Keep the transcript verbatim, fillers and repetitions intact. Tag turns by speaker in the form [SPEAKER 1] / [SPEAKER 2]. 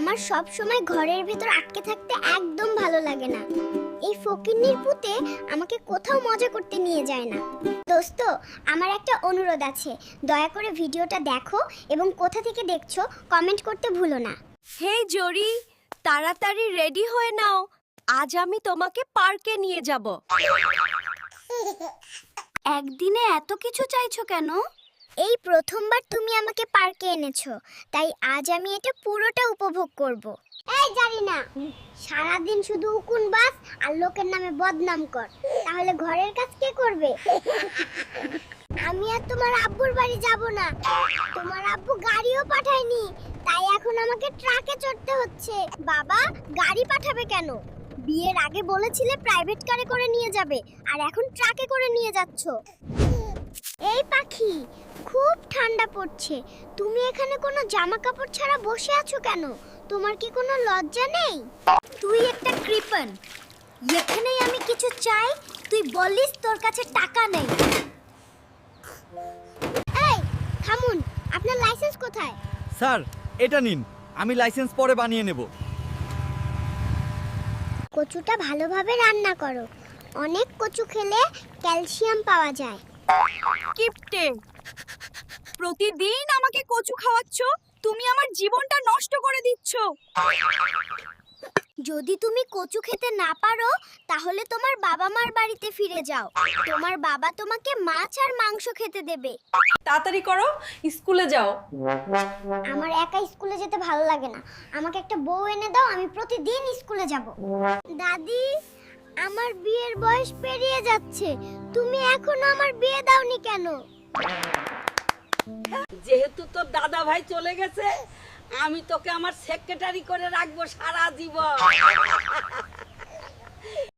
[SPEAKER 1] আমার সব সময় ঘরের ভেতর আটকে থাকতে একদম ভালো লাগে না। এই ফকিন্নির পুতে আমাকে কোথাও মজা করতে নিয়ে যায় না। দোস্ত, আমার একটা অনুরোধ আছে, দয়া করে ভিডিওটা দেখো এবং কোথা থেকে দেখছো কমেন্ট করতে ভুলো না।
[SPEAKER 2] হে জরি, তাড়াতাড়ি রেডি হয়ে নাও, আজ আমি তোমাকে পার্কে নিয়ে যাব।
[SPEAKER 1] একদিনে এত কিছু চাইছো কেন? এই প্রথমবার তুমি আমাকে পার্কে এনেছো, তাই আজ আমি এটা পুরোটা উপভোগ করব। এই জানি না, সারাদিন শুধু উকুন বাস আর লোকের নামে বদনাম কর, তাহলে ঘরের কাজ কে করবে? আমি আর তোমার আব্বুর বাড়ি যাব না। তোমার আব্বু গাড়িও পাঠায়নি, তাই এখন আমাকে ট্রাকে চড়তে হচ্ছে। বাবা গাড়ি পাঠাবে কেন? বিয়ের আগে বলেছিলে প্রাইভেট কারে করে নিয়ে যাবে, আর এখন ট্রাকে করে নিয়ে যাচ্ছো। এই পাখি, খুব ঠান্ডা পড়ছে, তুমি এখানে কোনো জামা কাপড় ছাড়া বসে আছো কেন? তোমার কি কোনো লজ্জা নেই? তুই একটা কৃপণ, এখানেই আমি কিছু চাই, তুই বলিস তোর কাছে টাকা নেই। এই থামুন, আপনার লাইসেন্স কোথায়?
[SPEAKER 3] স্যার, এটা নিন, আমি লাইসেন্স পরে বানিয়ে নেব।
[SPEAKER 1] কচুটা ভালোভাবে রান্না করো, অনেক কচু খেলে ক্যালসিয়াম পাওয়া যায়।
[SPEAKER 2] কিপটে, প্রতিদিন আমাকে কচু খাওয়াচ্ছ, তুমি আমার জীবনটা নষ্ট করে দিচ্ছ।
[SPEAKER 1] যদি তুমি কচু খেতে না পারো, তাহলে তোমার বাবা মার বাড়িতে ফিরে যাও। তোমার বাবা তোমাকে মাছ আর মাংস খেতে দেবে।
[SPEAKER 2] তাড়াতাড়ি করো, স্কুলে যাও।
[SPEAKER 1] আমার একা স্কুলে যেতে ভালো লাগে না, আমাকে একটা বউ এনে দাও, আমি প্রতিদিন স্কুলে যাব। দাদি, আমার বিয়ের বয়স পেরিয়ে যাচ্ছে, তুমি এখনো আমার বিয়ে দাওনি কেন?
[SPEAKER 4] যেহেতু তোর দাদা ভাই চলে গেছে, আমি তোকে আমার সেক্রেটারি করে রাখবো সারা জীবন।